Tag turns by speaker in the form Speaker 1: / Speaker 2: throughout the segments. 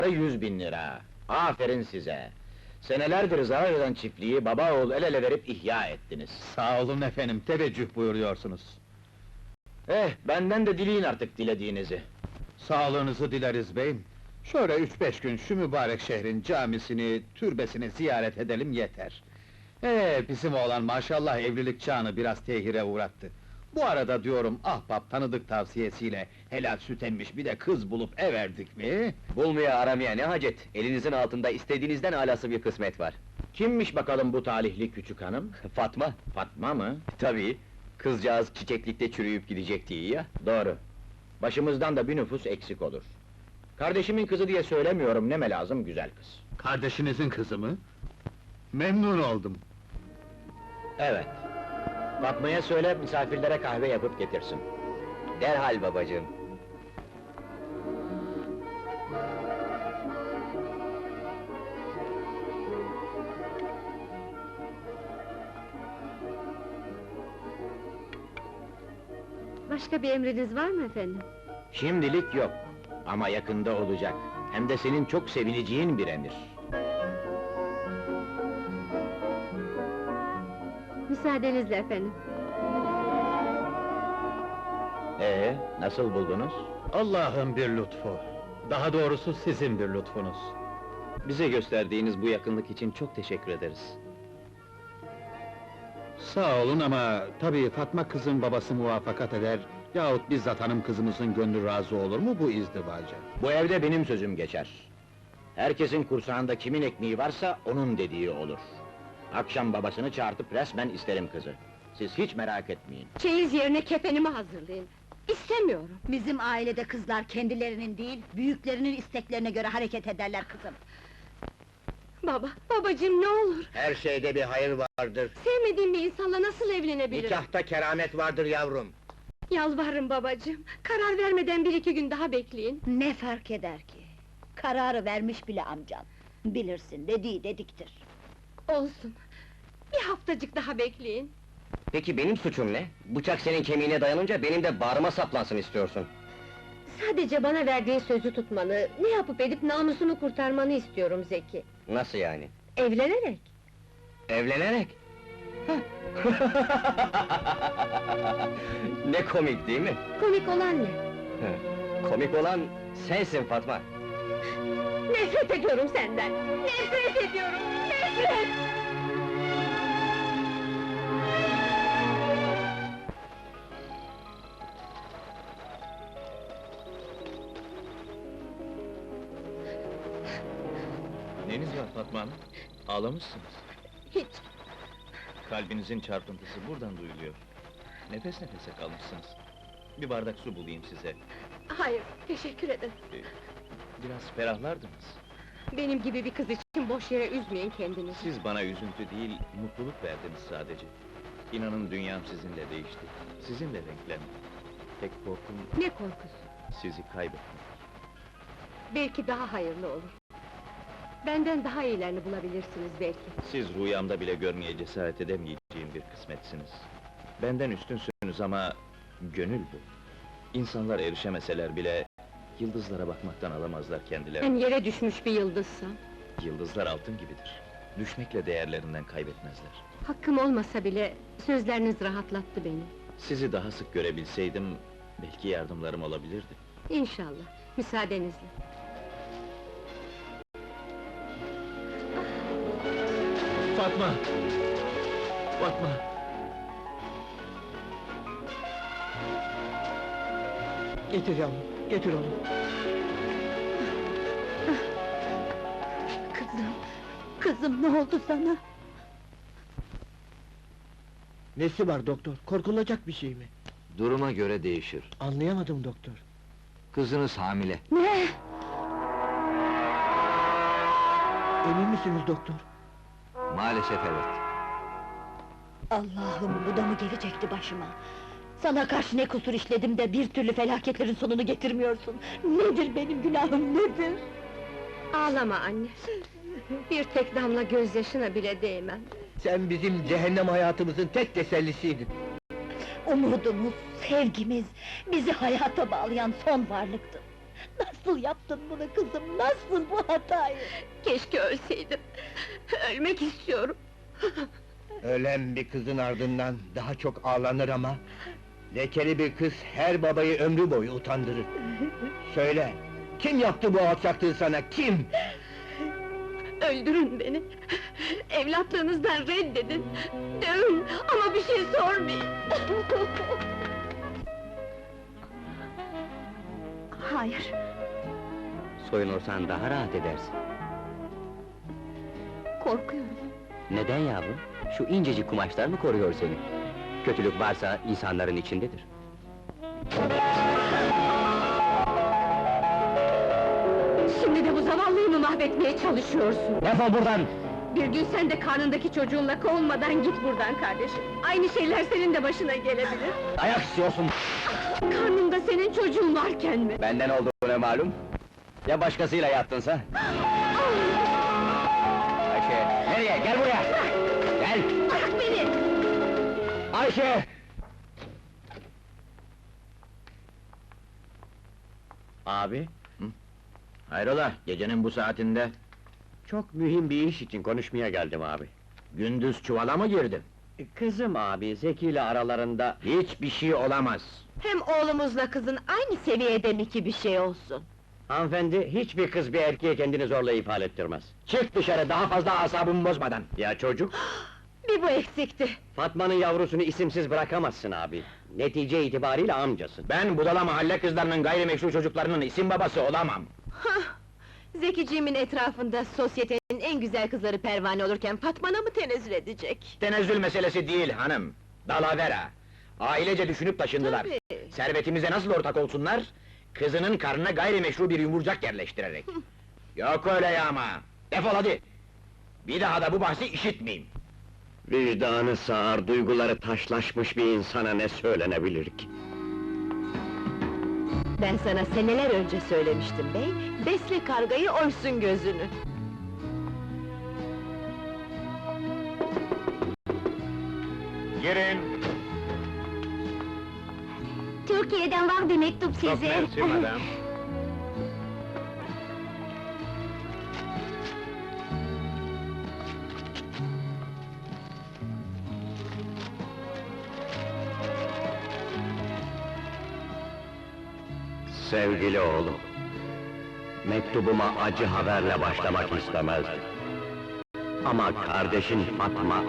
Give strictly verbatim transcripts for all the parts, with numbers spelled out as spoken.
Speaker 1: Yüz bin lira. Aferin size. Senelerdir zarar eden çiftliği baba oğul el ele verip ihya ettiniz.
Speaker 2: Sağ olun efendim, teveccüh buyuruyorsunuz.
Speaker 1: Eh, benden de dileyin artık dilediğinizi.
Speaker 2: Sağlığınızı dileriz beyim. Şöyle üç beş gün şu mübarek şehrin camisini, türbesini ziyaret edelim yeter. Ee, bizim oğlan maşallah evlilik çağını biraz tehire uğrattı. Bu arada diyorum, ahbap tanıdık tavsiyesiyle helal süt emmiş bir de kız bulup everdik mi?
Speaker 3: Bulmaya aramaya ne hacet? Elinizin altında istediğinizden alası bir kısmet var.
Speaker 1: Kimmiş bakalım bu talihli küçük hanım?
Speaker 3: Fatma,
Speaker 1: Fatma mı?
Speaker 3: tabii. Kızcağız çiçeklikte çürüyüp gidecekti iyi ya.
Speaker 1: Doğru. Başımızdan da bir nüfus eksik olur. Kardeşimin kızı diye söylemiyorum, neme lazım güzel kız.
Speaker 2: Kardeşinizin kızı mı? Memnun oldum.
Speaker 1: Evet. Fatma'ya söyle, misafirlere kahve yapıp getirsin.
Speaker 3: Derhal babacığım.
Speaker 4: Başka bir emriniz var mı efendim?
Speaker 1: Şimdilik yok. Ama yakında olacak. Hem de senin çok sevineceğin bir emir.
Speaker 4: Müsaadenizle efendim.
Speaker 1: Ee, nasıl buldunuz?
Speaker 2: Allah'ın bir lütfu. Daha doğrusu sizin bir lütfunuz.
Speaker 3: Bize gösterdiğiniz bu yakınlık için çok teşekkür ederiz.
Speaker 2: Sağ olun ama tabii Fatma kızın babası muvaffakat eder yahut bizzat hanım kızımızın gönlü razı olur mu bu izdivaca?
Speaker 1: Bu evde benim sözüm geçer. Herkesin kursağında kimin ekmeği varsa onun dediği olur. Akşam babasını çağırtıp resmen isterim kızı. Siz hiç merak etmeyin.
Speaker 4: Çeyiz yerine kefenimi hazırlayın. İstemiyorum.
Speaker 5: Bizim ailede kızlar kendilerinin değil, büyüklerinin isteklerine göre hareket ederler kızım.
Speaker 4: Baba, babacığım ne olur!
Speaker 1: Her şeyde bir hayır vardır.
Speaker 4: Sevmediğim bir insanla nasıl evlenebilirim?
Speaker 1: Nikahta keramet vardır yavrum.
Speaker 4: Yalvarırım babacığım, karar vermeden bir iki gün daha bekleyin.
Speaker 5: Ne fark eder ki? Kararı vermiş bile amcan. Bilirsin, dediği dediktir.
Speaker 4: Olsun, bir haftacık daha bekleyin.
Speaker 3: Peki benim suçum ne? Bıçak senin kemiğine dayanınca benim de bağrıma saplansın istiyorsun.
Speaker 4: Sadece bana verdiği sözü tutmanı, ne yapıp edip namusunu kurtarmanı istiyorum Zeki.
Speaker 3: Nasıl yani?
Speaker 4: Evlenerek.
Speaker 3: Evlenerek? Ne komik değil mi?
Speaker 4: Komik olan ne?
Speaker 3: Komik olan sensin Fatma.
Speaker 4: Nefret ediyorum senden! Nefret ediyorum, nefret!
Speaker 6: Neniz var Fatma Hanım? Ağlamışsınız.
Speaker 4: Hiç,
Speaker 6: Kalbinizin çarpıntısı buradan duyuluyor. Nefes nefese kalmışsınız. Bir bardak su bulayım size.
Speaker 4: hayır, teşekkür ederim.
Speaker 6: Biraz ferahlardınız.
Speaker 4: Benim gibi bir kız için boş yere üzmeyin kendinizi.
Speaker 6: Siz bana üzüntü değil, mutluluk verdiniz sadece. İnanın dünyam sizinle değişti. Sizinle renklendi. Tek korkum
Speaker 4: Ne korkusu?
Speaker 6: sizi kaybetmek.
Speaker 4: Belki daha hayırlı olur. Benden daha iyilerini bulabilirsiniz belki.
Speaker 6: Siz rüyamda bile görmeye cesaret edemeyeceğim bir kısmetsiniz. Benden üstünsünüz ama gönül bu. İnsanlar erişemeseler bile yıldızlara bakmaktan alamazlar kendilerini.
Speaker 4: Ben yere düşmüş bir yıldızsam,
Speaker 6: Yıldızlar altın gibidir. Düşmekle değerlerinden kaybetmezler.
Speaker 4: hakkım olmasa bile sözleriniz rahatlattı beni.
Speaker 6: Sizi daha sık görebilseydim, belki yardımlarım olabilirdi.
Speaker 4: İnşallah, müsaadenizle.
Speaker 6: Fatma! Fatma!
Speaker 7: Getir yavrum, getir onu.
Speaker 5: Kızım, kızım ne oldu sana?
Speaker 7: Nesi var doktor? Korkulacak bir şey mi?
Speaker 3: Duruma göre değişir.
Speaker 7: Anlayamadım doktor.
Speaker 3: Kızınız hamile.
Speaker 5: Ne?
Speaker 7: Emin misiniz doktor?
Speaker 3: Maalesef evet.
Speaker 5: Allah'ım, bu da mı gelecekti başıma? Sana karşı ne kusur işledim de bir türlü felaketlerin sonunu getirmiyorsun? Nedir benim günahım, nedir?
Speaker 4: Ağlama anne! Bir tek damla gözyaşına bile değmem.
Speaker 7: Sen bizim cehennem hayatımızın tek tesellisiydin.
Speaker 5: Umudumuz, sevgimiz, bizi hayata bağlayan son varlıktın. Nasıl yaptın bunu kızım, nasıl bu hatayı?
Speaker 4: Keşke ölseydim. Ölmek istiyorum.
Speaker 7: Ölen bir kızın ardından daha çok ağlanır ama... ...lekeli bir kız her babayı ömrü boyu utandırır. Söyle, kim yaptı bu alçaklığı sana, kim?
Speaker 4: Öldürün beni. Evlatlığınızdan reddedin. Dövün ama bir şey sormayın.
Speaker 5: Hayır,
Speaker 3: Soyunursan daha rahat edersin.
Speaker 5: korkuyorum.
Speaker 3: Neden yavrum? Şu incecik kumaşlar mı koruyor seni? Kötülük varsa insanların içindedir.
Speaker 4: Şimdi de bu zavallıyı mı mahvetmeye çalışıyorsun?
Speaker 3: Defol buradan!
Speaker 4: Bir gün sen de karnındaki çocuğunla kovulmadan git buradan kardeşim. Aynı şeyler senin de başına gelebilir.
Speaker 3: Dayak istiyorsun!
Speaker 4: Karnında senin çocuğun varken mi?
Speaker 3: Benden olduğuna malum. Ya başkasıyla yattınsa? Ayşe, nereye? Gel buraya! Gel!
Speaker 4: Bırak beni!
Speaker 3: Ayşe! Abi,
Speaker 1: Hayrola, gecenin bu saatinde?
Speaker 3: çok mühim bir iş için konuşmaya geldim abi.
Speaker 1: Gündüz çuvala mı girdin?
Speaker 3: Kızım abi, Zeki ile aralarında...
Speaker 1: Hiçbir şey olamaz.
Speaker 4: Hem oğlumuzla kızın aynı seviyede mi ki bir şey olsun?
Speaker 3: Hanımefendi, hiçbir kız bir erkeğe kendini zorla ifade ettirmez.
Speaker 1: Çık dışarı, daha fazla asabımı bozmadan!
Speaker 3: Ya çocuk?
Speaker 4: Bir bu eksikti.
Speaker 3: Fatma'nın yavrusunu isimsiz bırakamazsın abi. Netice itibariyle amcasın.
Speaker 1: Ben budala mahalle kızlarının gayrimeşru çocuklarının isim babası olamam!
Speaker 4: Zekiciğimin etrafında sosyetenin en güzel kızları pervane olurken Fatma'na mı tenezzül edecek?
Speaker 1: Tenezzül meselesi değil hanım, dalavera! Ailece düşünüp taşındılar.
Speaker 4: Tabii.
Speaker 1: Servetimize nasıl ortak olsunlar? Kızının karnına gayrimeşru bir yumurcak yerleştirerek. Yok öyle ya ama! Defol hadi! Bir daha da bu bahsi işitmeyeyim!
Speaker 3: Vicdanı sağır, duyguları taşlaşmış bir insana ne söylenebilir ki?
Speaker 4: Ben sana seneler önce söylemiştim bey, besle kargayı oysun gözünü.
Speaker 1: Girin!
Speaker 5: Türkiye'den var bir mektup size.
Speaker 1: madam!
Speaker 3: Sevgili oğlum, mektubuma acı haberle başlamak istemezdim. Ama kardeşin Fatma...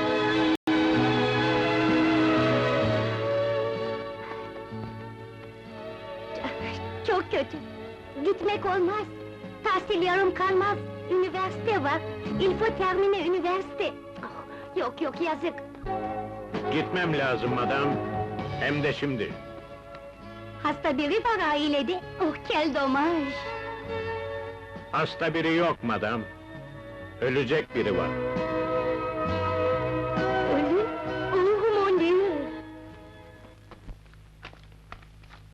Speaker 5: Çok kötü. Gitmek olmaz. Tahsil yarım kalmaz. Üniversite var. Il faut terminer üniversite. Ah, yok yok yazık.
Speaker 1: Gitmem lazım madam, hem de şimdi.
Speaker 5: Hasta biri var ailede. Oh quel dommage.
Speaker 1: Hasta biri yok madam, ölecek biri var.